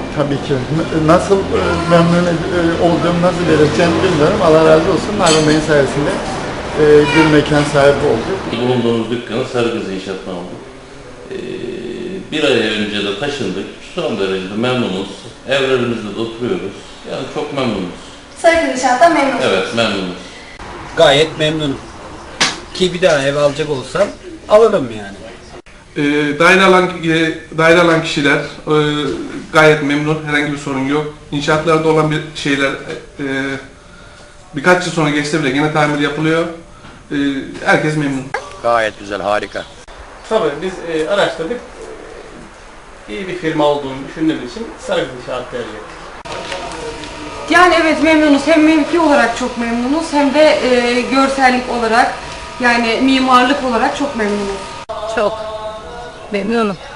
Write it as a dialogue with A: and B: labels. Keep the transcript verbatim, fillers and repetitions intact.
A: Tabii ki. Nasıl e, memnun e, olduğumu nasıl belirteceğimi bilmiyorum. Allah razı olsun. Harun Bey'in sayesinde e, bir mekan sahibi olduk.
B: Bulunduğumuz dükkanı Sarıgız İnşaat'tan aldık. Ee, bir ay önce de taşındık. Son derecede memnunuz. Evlerimizde de oturuyoruz. Yani çok memnunuz.
C: Sarıgız İnşaat'tan memnunsunuz.
B: Evet, memnunuz.
D: Gayet memnunum. Ki bir daha ev alacak olsam alırım yani.
E: E, daire alan, e, daire alan kişiler e, gayet memnun, herhangi bir sorun yok. İnşaatlarda olan bir şeyler e, birkaç yıl sonra geçse bile yine tamir yapılıyor. E, herkes memnun.
F: Gayet güzel, harika.
G: Tabii biz e, araştırdık. İyi bir firma olduğunu düşündüğümüz için Sarıgız İnşaat tercih ettik.
H: Yani evet memnunuz. Hem mevki olarak çok memnunuz hem de e, görsellik olarak yani mimarlık olarak çok memnunuz.
I: Çok memnunum.